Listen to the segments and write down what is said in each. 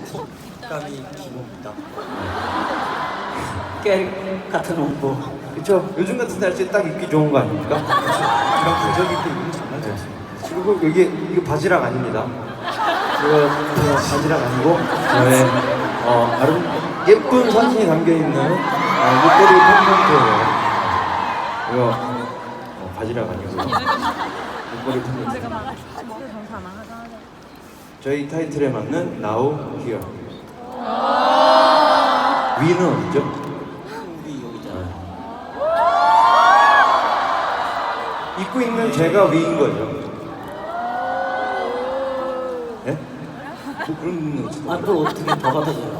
식감이 기본입니다. 깨 같은 옷고. 그쵸? 요즘 같은 날씨에 딱 입기 좋은 거 아닙니까? 이런 가격 입고 입는 정말 좋습니다. 그리고 이거 바지락 아닙니다. 이거 바지락 아니고 저의 예쁜 사진이 담겨 있는 목걸이 팬분트예요. 이거 바지락 아니고 목걸이 팬분트. 저희 타이틀에 맞는 Now Here. 위는 어디죠? 우리 여기잖아요. 입고 있는 제가 위인 거죠. 예? 뭐 그런 거 있어요. 아, 또 어떻게 더 받아줘요?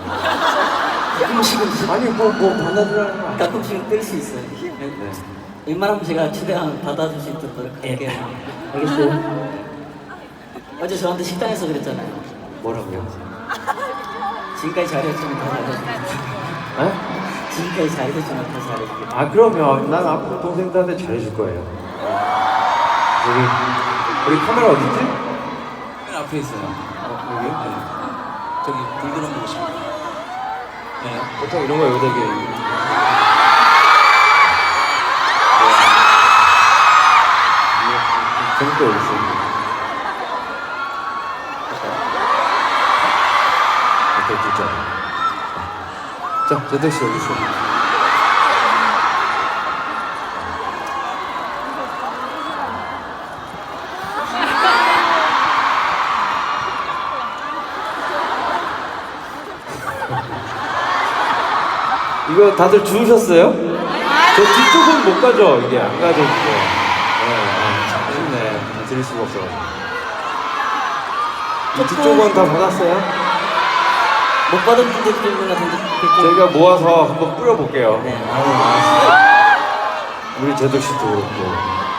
가끔씩은 아니 뭐 받아주라는 거 아니야? 가끔씩은 뜰 수 있어요. 네. 웬만하면 제가 최대한 받아줄 수 있도록 할게요. 알겠어요? 어제 저한테 식당에서 그랬잖아요. 뭐라고요? 지금까지 잘해주면 다 잘해줄게. 에? 지금까지 잘해주면 다 잘해줄게. 아 그러면 난 앞으로 동생들한테 잘해줄 거예요. 우리 카메라 어디 있지? 맨 앞에 있어요. 여기? 네. 저기 불 들어보고 싶어요. 네. 보통 이런 거 여기다 이게 재밌게 어디 있어? 이렇게 진짜. 자, 제덕 씨 어디 있어? 이거 다들 주우셨어요? 저 뒤쪽은 못 가죠? 이게 안 가죠, 이게. 아쉽네. 다 드릴 수가 없어가지고. 이 뒤쪽은 다 받았어요? 못 받은 분들도 있는 것 같은데. 저희가 모아서 한번 뿌려볼게요. 네. 우리 제덕 씨도 그렇고.